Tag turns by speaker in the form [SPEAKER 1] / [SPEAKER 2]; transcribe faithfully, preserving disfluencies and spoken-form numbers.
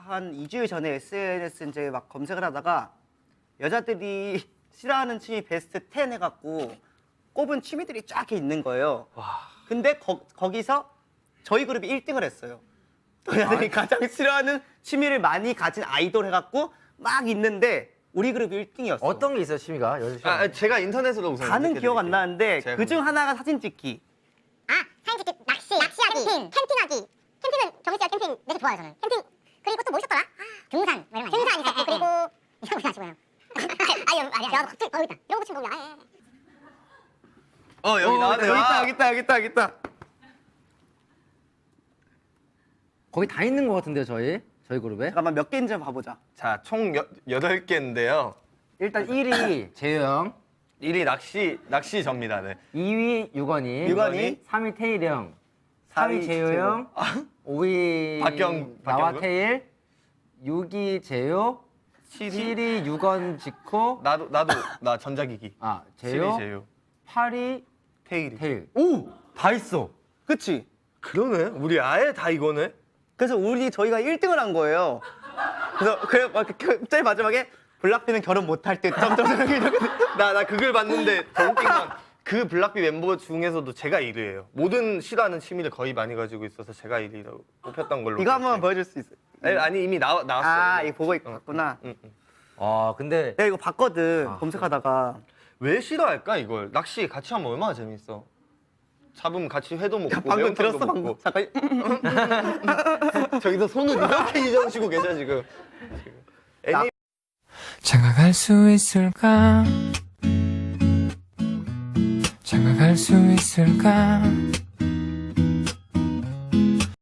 [SPEAKER 1] 한 이 주일 전에 에스엔에스 이제 막 검색을 하다가 여자들이 싫어하는 취미 베스트 텐 해갖고 꼽은 취미들이 쫙 이렇게 있는 거예요.
[SPEAKER 2] 와.
[SPEAKER 1] 근데 거, 거기서 저희 그룹이 일 등을 했어요. 여자들이 가장 싫어하는 취미를 많이 가진 아이돌 해갖고 막 있는데 우리 그룹이 일 등이었어.
[SPEAKER 3] 어떤 게 있어요, 취미가? 여자 취미?
[SPEAKER 2] 아, 제가 인터넷으로 우선
[SPEAKER 1] 다는 기억 안 나는데
[SPEAKER 2] 제가
[SPEAKER 1] 그 중 하나가 사진 찍기.
[SPEAKER 4] 아, 사진 찍기, 낚시, 낚시하기, 캠핑, 캠핑하기. 캠핑은 정희 씨가 캠핑 되게 좋아해요, 저는. 캠핑 그리고 또 뭐 있었더라? 아, 등산, 뭐 이런 거. 등산 있었고 그리고 이런 거 하시고요. 아니, 아니, 야, 갑자기 어 있다. 이런 거 치면 뭐야? 아예.
[SPEAKER 2] 어, 여기 나왔네.
[SPEAKER 1] 여기 있다, 여기 있다, 여기 있다, 여기 있다.
[SPEAKER 3] 거기 다 있는 것 같은데요, 저희? 저희 그룹에?
[SPEAKER 1] 잠깐만 몇 개인지 한번 봐보자.
[SPEAKER 2] 자, 총 여, 여덟 개인데요.
[SPEAKER 3] 일단 일 위 재효 형,
[SPEAKER 2] 일 위 낚시 낚시 접니다. 네.
[SPEAKER 3] 이 위 유건이,
[SPEAKER 1] 유건이,
[SPEAKER 3] 삼 위 태일 형, 사 위 재효
[SPEAKER 1] 재효.
[SPEAKER 3] 형, 오 위
[SPEAKER 2] 박경-
[SPEAKER 3] 나와
[SPEAKER 2] 박경근?
[SPEAKER 3] 태일, 육 위 재효, 칠 위 유건 지코,
[SPEAKER 2] 나도 나도 나 전자기기.
[SPEAKER 3] 아
[SPEAKER 2] 칠 위
[SPEAKER 3] 재효,
[SPEAKER 2] 제요.
[SPEAKER 3] 팔 위
[SPEAKER 2] 테일이.
[SPEAKER 3] 태일. 오! 다 있어.
[SPEAKER 1] 그치?
[SPEAKER 2] 그러네. 우리 아예 다 이거네.
[SPEAKER 1] 그래서 우리 저희가 일 등을 한 거예요. 그래서 그래 막 그- 제일 마지막에 블락비는 결혼 못할 때 점점점 이렇게
[SPEAKER 2] 나 나 그걸 봤는데 더 웃긴 건 그 블락비 멤버 중에서도 제가 일 위예요. 모든 싫어하는 취미를 거의 많이 가지고 있어서 제가 일 위라고 뽑혔던 걸로.
[SPEAKER 1] 이거 한번
[SPEAKER 2] 기억해요.
[SPEAKER 1] 보여줄 수 있어?
[SPEAKER 2] 아니, 아니 이미 나 나왔어.
[SPEAKER 1] 아 이거 보고 있구나.
[SPEAKER 2] 응, 응.
[SPEAKER 3] 아 근데
[SPEAKER 1] 내가 이거 봤거든
[SPEAKER 3] 아,
[SPEAKER 1] 검색하다가.
[SPEAKER 2] 왜 싫어할까 이걸? 낚시 같이 하면 얼마나 재밌어. 잡으면 같이 회도 먹고
[SPEAKER 1] 방금
[SPEAKER 2] 매운탕도
[SPEAKER 1] 들었어 방금.
[SPEAKER 2] 먹고.
[SPEAKER 1] 잠깐.
[SPEAKER 2] 저기서 손을 이렇게 이정시고 계셔 지금. 애니
[SPEAKER 5] 장가갈 수 있을까? 장가갈 수 있을까?